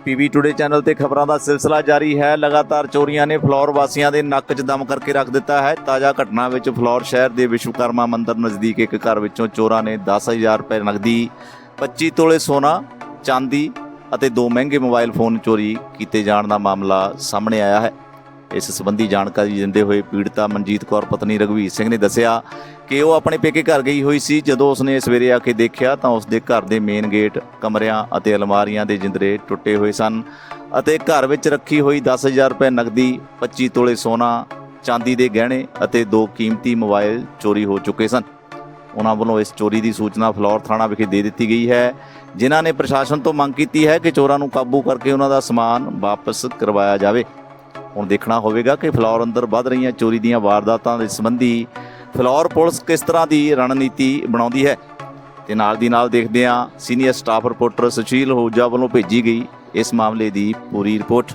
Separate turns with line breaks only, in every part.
PB today channel ਤੇ ਖਬਰਾਂ ਦਾ ਸਿਲਸਿਲਾ ਜਾਰੀ ਹੈ। ਲਗਾਤਾਰ ਚੋਰੀਆਂ ਨੇ ਫਲੋਰ ਵਾਸੀਆਂ ਦੇ ਨੱਕ 'ਚ ਦਮ ਕਰਕੇ ਰੱਖ ਦਿੱਤਾ ਹੈ। ਤਾਜ਼ਾ ਘਟਨਾ ਵਿੱਚ ਫਲੋਰ ਸ਼ਹਿਰ ਦੇ ਵਿਸ਼ਵਕਰਮਾ ਮੰਦਿਰ ਨਜ਼ਦੀਕ ਇੱਕ ਘਰ ਵਿੱਚੋਂ ਚੋਰਾਂ ਨੇ 10,000 ਰੁਪਏ ਨਕਦੀ, 25 ਤੋਲੇ ਸੋਨਾ, ਚਾਂਦੀ ਅਤੇ 2 ਮਹਿੰਗੇ ਮੋਬਾਈਲ ਫੋਨ ਚੋਰੀ ਕੀਤੇ ਜਾਣ ਦਾ ਮਾਮਲਾ ਸਾਹਮਣੇ ਆਇਆ ਹੈ। ਇਸ ਸੰਬੰਧੀ ਜਾਣਕਾਰੀ ਦਿੰਦੇ ਹੋਏ ਪੀੜਤਾ ਮਨਜੀਤ ਕੌਰ ਪਤਨੀ ਰਘਵੀਰ ਸਿੰਘ ਨੇ ਦੱਸਿਆ ਕਿ ਉਹ ਆਪਣੇ ਪੇਕੇ ਘਰ ਗਈ ਹੋਈ ਸੀ। ਜਦੋਂ ਉਸਨੇ ਸਵੇਰੇ ਆ ਕੇ ਦੇਖਿਆ ਤਾਂ ਉਸਦੇ ਘਰ ਦੇ ਮੇਨ ਗੇਟ, ਕਮਰਿਆਂ ਅਤੇ ਅਲਮਾਰੀਆਂ ਦੇ ਜਿੰਦਰੇ ਟੁੱਟੇ ਹੋਏ ਸਨ ਅਤੇ ਘਰ ਵਿੱਚ ਰੱਖੀ ਹੋਈ 10,000 ਰੁਪਏ ਨਕਦੀ, 25 ਤੋਲੇ ਸੋਨਾ, ਚਾਂਦੀ ਦੇ ਗਹਿਣੇ ਅਤੇ 2 ਕੀਮਤੀ ਮੋਬਾਈਲ ਚੋਰੀ ਹੋ ਚੁੱਕੇ ਸਨ। ਉਹਨਾਂ ਵੱਲੋਂ ਇਸ ਚੋਰੀ ਦੀ ਸੂਚਨਾ ਫਲੋਰ ਥਾਣਾ ਵਿਖੇ ਦੇ ਦਿੱਤੀ ਗਈ ਹੈ, ਜਿਨ੍ਹਾਂ ਨੇ ਪ੍ਰਸ਼ਾਸਨ ਤੋਂ ਮੰਗ ਕੀਤੀ ਹੈ ਕਿ ਚੋਰਾਂ ਨੂੰ ਕਾਬੂ ਕਰਕੇ ਉਹਨਾਂ ਦਾ ਸਮਾਨ ਵਾਪਸ ਕਰਵਾਇਆ ਜਾਵੇ। ਹੁਣ ਦੇਖਣਾ ਹੋਵੇਗਾ ਕਿ ਫਲੋਰ ਅੰਦਰ ਵੱਧ ਰਹੀਆਂ ਚੋਰੀ ਦੀਆਂ ਵਾਰਦਾਤਾਂ ਦੇ ਸੰਬੰਧੀ ਫਲੋਰ ਪੁਲਿਸ ਕਿਸ ਤਰ੍ਹਾਂ ਦੀ ਰਣਨੀਤੀ ਬਣਾਉਂਦੀ ਹੈ। ਤੇ ਨਾਲ ਦੀ ਨਾਲ ਦੇਖਦੇ ਹਾਂ senior staff reporter Sushil Hooja ਵੱਲੋਂ ਭੇਜੀ ਗਈ ਇਸ ਮਾਮਲੇ ਦੀ ਪੂਰੀ ਰਿਪੋਰਟ।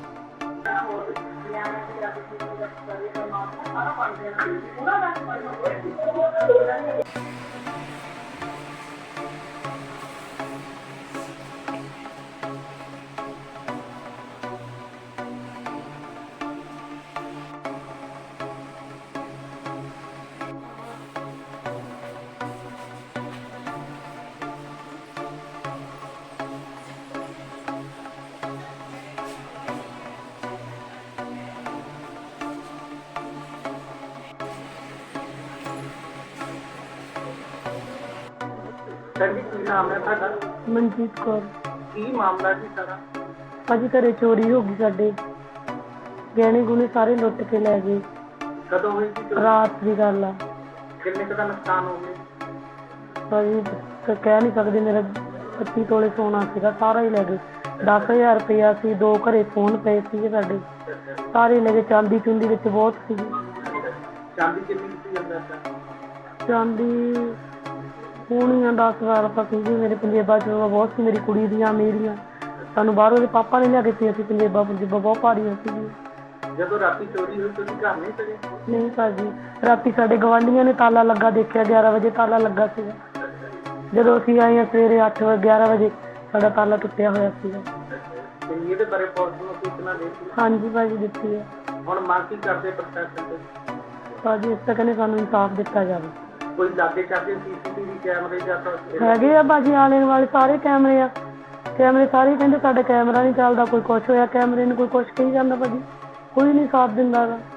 ਜੀ ਕੀ ਨਾਮ ਹੈ ਤੁਹਾਡਾ?
ਮਨਜੀਤ ਕੌਰ।
ਕੀ ਮਾਮਲਾ ਜੀ ਸਾਰਾ?
ਭਾਜੀ ਘਰੇ ਚੋਰੀ ਹੋ ਗਈ ਸਾਡੇ, ਗਹਿਣੇ ਗੁਣੇ ਸਾਰੇ ਲੁੱਟ ਕੇ ਲੈ ਗਏ।
ਕਦੋਂ ਹੋਈ ਸੀ ਚੋਰੀ?
ਰਾਤ ਦੀ ਗੱਲ ਆ
ਕਿੰਨੇ ਕੁ ਦਾ ਨੁਕਸਾਨ ਹੋ ਗਿਆ?
ਭਾਜੀ ਕਹਿ ਨਹੀਂ ਸਕਦੇ। ਮੇਰਾ 25 ਤੋਲੇ ਸੋਨਾ ਸੀਗਾ, ਸਾਰਾ ਹੀ ਲੈ ਗਏ। 10,000 ਰੁਪਇਆ ਸੀ, 2 ਘਰੇ ਫੋਨ ਪਏ ਸੀਗੇ ਸਾਡੇ, ਸਾਰੇ ਲੈ ਗਏ। ਚਾਂਦੀ ਚੁੰਦੀ ਵਿੱਚ ਬਹੁਤ ਸੀਗੀ।
ਚਾਂਦੀ ਕਿੰਨੀ ਸੀ ਅੰਦਰ ਦਾ?
ਚਾਂਦੀ ਹੋਣੀਆਂ 10,000 ਰੁਪਏ ਸੀਗੀ। ਮੇਰੇ ਪੰਜੇਬਾਂ ਚ ਬਹੁਤ ਸੀ, ਮੇਰੀ ਕੁੜੀ ਦੀਆਂ, ਮੇਰੀਆਂ। ਸਾਨੂੰ ਬਾਹਰੋਂ ਦੇ ਪਾਪਾ ਨੇ ਲਿਆ ਕੇ ਦਿੱਤੀਆਂ ਸੀ ਪੰਜੇਬਾਂ ਬਹੁਤ ਭਾਰੀਆਂ ਸੀਗੀਆਂ।
ਜਦੋਂ ਰਾਤੀ ਚੋਰੀ ਹੋਈ ਤੁਸੀਂ ਘਰ ਨਹੀਂ ਸੀਗੇ?
ਨਹੀਂ ਭਾਜੀ, ਰਾਤੀ ਸਾਡੇ ਗਵਾਂਢੀਆਂ ਨੇ ਤਾਲਾ ਲੱਗਾ ਦੇਖਿਆ, 11 ਵਜੇ ਤਾਲਾ ਲੱਗਾ ਸੀਗਾ। ਜਦੋਂ ਅਸੀਂ ਆਏ ਹਾਂ ਸਵੇਰੇ 11 ਵਜੇ ਸਾਡਾ ਤਾਲਾ ਟੁੱਟਿਆ ਹੋਇਆ ਸੀਗਾ।
ਤੇ ਇਹਦੇ ਬਾਰੇ ਪੁਲਿਸ ਨੂੰ ਸੂਚਨਾ ਦੇ ਦਿੱਤੀ?
ਹਾਂਜੀ ਭਾਜੀ ਦਿੱਤੀ ਹੈ।
ਹੁਣ ਮੰਗ ਕੀ ਕਰਦੇ ਪ੍ਰਸ਼ਾਸਨ ਤੋਂ?
ਭਾਜੀ ਇਸ ਤੱਕ ਨੇ ਸਾਨੂੰ ਇਨਸਾਫ ਦਿੱਤਾ ਜਾਵੇ।
ਕੋਈ ਲਾਗੇ ਚਾਗੇ CCTV ਕੈਮਰੇ ਜਾਂ ਤਾਂ
ਹੈਗੇ ਆ ਭਾਜੀ, ਆਲੇ ਵਾਲੇ ਸਾਰੇ ਕੈਮਰੇ ਆ। ਕੈਮਰੇ ਸਾਰੇ ਕਹਿੰਦੇ ਸਾਡਾ ਕੈਮਰਾ ਨਹੀਂ ਚੱਲਦਾ, ਕੋਈ ਕੁਛ ਹੋਇਆ ਕੈਮਰੇ ਨੂੰ, ਕੋਈ ਕੁਛ ਕਹੀ ਜਾਂਦਾ ਭਾਜੀ। ਕੋਈ ਨਹੀਂ ਸਾਥ ਦਿੰਦਾ ਗਾ।